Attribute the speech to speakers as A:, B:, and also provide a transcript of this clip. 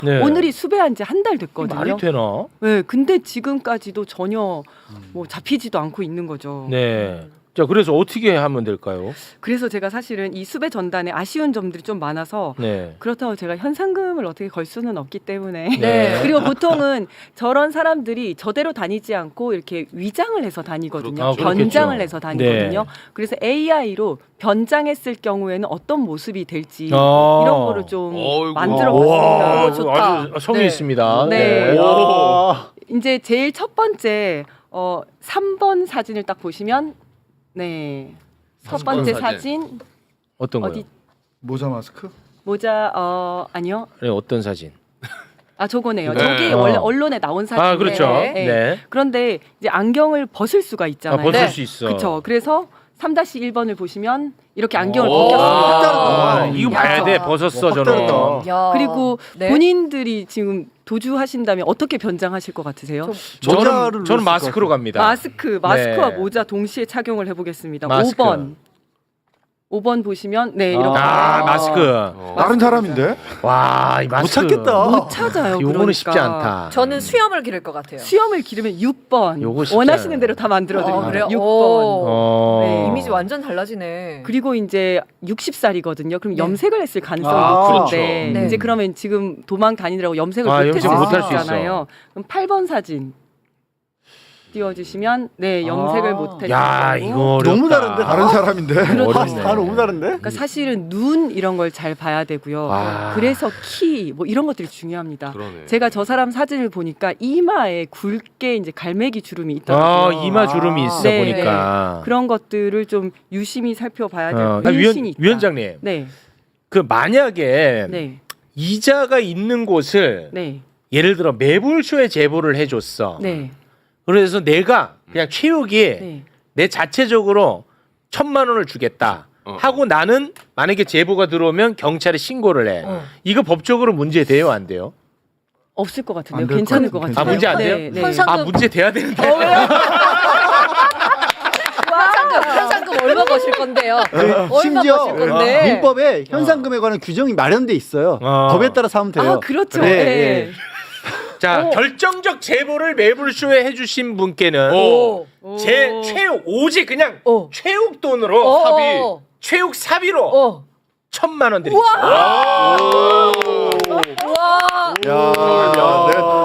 A: 네.
B: 오늘이 수배한 지 한 달 됐거든요.
A: 말이 되나?
B: 네, 근데 지금까지도 전혀 뭐 잡히지도 않고 있는 거죠.
A: 네. 자, 그래서 어떻게 하면 될까요?
B: 그래서 제가 사실은 이 수배 전단에 아쉬운 점들이 좀 많아서
A: 네.
B: 그렇다고 제가 현상금을 어떻게 걸 수는 없기 때문에
A: 네.
B: 그리고 보통은 저런 사람들이 저대로 다니지 않고 이렇게 위장을 해서 다니거든요.
A: 아, 그렇겠죠.
B: 변장을 해서 다니거든요.
A: 네.
B: 그래서 AI로 변장했을 경우에는 어떤 모습이 될지
A: 아.
B: 이런 거를 좀
C: 어이구.
B: 만들어
A: 와,
B: 봤습니다.
D: 좋다.
A: 아주 성의
D: 네.
A: 있습니다.
B: 네.
A: 와.
B: 이제 제일 첫 번째 3번 사진을 딱 보시면 네. 첫 번째 사진
A: 어떤 거요?
B: 어디
E: 모자 마스크?
B: 모자 아니요.
A: 네, 어떤 사진?
B: 아 저거네요.
C: 네.
B: 저기 원래 언론에 나온 사진.
A: 아, 그렇죠.
D: 네.
A: 네.
B: 그런데 이제 안경을 벗을 수가
A: 아,
B: 있잖아요.
A: 벗을
D: 네.
A: 수 있어.
B: 그렇죠. 그래서 3-1번을 보시면 이렇게 안경을
C: 오.
B: 벗겼습니다.
A: 아, 이거 봐야 돼. 벗었어,
E: 확
A: 저는.
E: 다르다.
D: 야.
B: 그리고
D: 네.
B: 본인들이 지금 도주하신다면 어떻게 변장하실 것 같으세요?
E: 모자를
A: 저는
E: 넣었을
A: 마스크로
E: 것
A: 갑니다.
B: 마스크와
A: 네.
B: 모자 동시에 착용을 해보겠습니다.
A: 마스크.
B: 5번 보시면 네 이렇게
A: 아, 마스크.
E: 다른 사람인데?
A: 와, 이
E: 못
A: 마스크.
E: 찾겠다.
B: 못 찾아요.
A: 요거는
B: 그러니까.
A: 쉽지 않다.
D: 저는 수염을 기를 것 같아요.
B: 수염을 기르면 6번.
A: 요거 쉽지
B: 원하시는
A: 않아요.
B: 대로 다 만들어 드립니다.
D: 그래요?
B: 6번.
D: 오.
B: 네.
D: 이미지 완전 달라지네.
B: 그리고 이제 60살이거든요. 그럼
D: 네.
B: 염색을 했을 가능성이
E: 아,
B: 높은데
D: 그렇죠. 네.
B: 이제 그러면 지금 도망 다니느라고 염색을
A: 아,
B: 못했을
A: 염색
D: 못할
B: 수
D: 수
B: 있잖아요. 그럼 8번 사진 띄워주시면 네 염색을 못했을
A: 야,
B: 거고.
A: 이거 어렵다.
E: 너무 다른데? 다른 사람인데?
A: 어렵네.
E: 다 너무 다른데?
B: 그러니까 사실은 눈 이런 걸 잘 봐야 되고요.
A: 와.
B: 그래서 키 뭐 이런 것들이 중요합니다.
C: 그러네.
B: 제가 저 사람 사진을 보니까 이마에 굵게 이제 갈매기 주름이
A: 아,
B: 있더라고요.
A: 이마 주름이 있어
B: 네,
A: 보니까.
B: 그런 것들을 좀 유심히 살펴봐야 될
A: 아,
B: 근신이 있다.
A: 위원장님.
B: 네,
A: 그 만약에
B: 네,
A: 이자가 있는 곳을
B: 네,
A: 예를 들어 매불쇼에 제보를 해줬어.
B: 네,
A: 그래서 내가 그냥 최욱이
B: 네.
A: 내 자체적으로 1,000만 원을 주겠다 하고 나는 만약에 제보가 들어오면 경찰에 신고를 해. 이거 법적으로 문제 돼요, 안 돼요?
B: 없을 것 같은데요.
E: 안될
B: 괜찮을
E: 것
B: 것
E: 같아요.
B: 같아요.
A: 아, 문제 안 돼요?
B: 네, 네.
D: 현상-
A: 아, 문제 돼야 되는데.
D: 현상금 얼마 거실 건데요? 얼마
F: 심지어
D: 거실 건데?
F: 민법에 현상금에 관한 규정이 마련돼 있어요. 법에 따라서 하면 돼요.
B: 아, 그렇죠.
F: 네,
B: 네.
F: 네.
A: 자, 결정적 제보를 매불쇼에 해주신 분께는
D: 오.
A: 제 최욱 오직 그냥
D: 오.
A: 최욱 돈으로
D: 오.
A: 사비 최욱 사비로
D: 어.
A: 1,000만 원 드리겠습니다.
D: 와.
E: 야,